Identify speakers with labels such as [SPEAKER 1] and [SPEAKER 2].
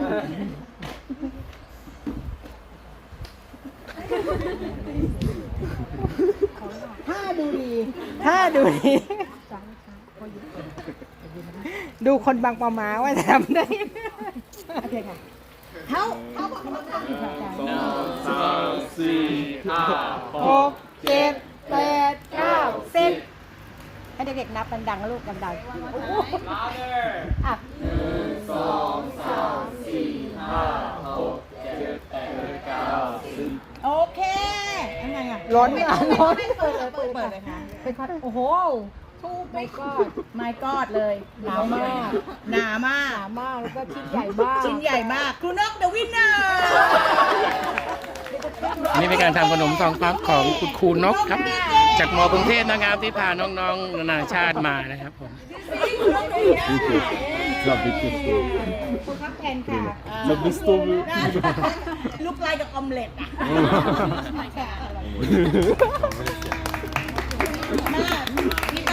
[SPEAKER 1] ถ้าดูดี
[SPEAKER 2] ดูคนบางปะมาว่าจะทำได้
[SPEAKER 1] โอเคค่ะเขาบอกเขาต้องอยู่ค่ะอาจารย์
[SPEAKER 3] สามสี่ห้าหก
[SPEAKER 2] 6 7 8 9 10ให้เด็กๆนับดังๆนะลูกดังๆอ่ะ
[SPEAKER 3] สองสามสี่ห้าหกเจ็ดแปดเก้าสิบ
[SPEAKER 1] โอเคยังไงอ่ะ
[SPEAKER 2] ล้นอ่ะล้น
[SPEAKER 1] เปิดเลยค่ะ
[SPEAKER 2] เป็นคอนโอ้โห
[SPEAKER 1] ทูบไม่กอดไม่กอดเลย
[SPEAKER 2] หนามาก
[SPEAKER 1] หนามาก
[SPEAKER 2] หนามากแล้วก็ชิ้นใหญ่มาก
[SPEAKER 1] ชิ้นใหญ่มากครูนกเดอะวินเนอร์
[SPEAKER 4] นี่เป็นการทำขนมทองพับของคุณครูนกครับ จากมกรุงเทพนะครับที่พาน้องๆนานาชาติมานะครับผม
[SPEAKER 3] Zabity stół.
[SPEAKER 1] คุณครับแทนค่ะ
[SPEAKER 3] Zabity stół.
[SPEAKER 1] ลูกลายกับออมเล็ตอ่ะหน้าพี่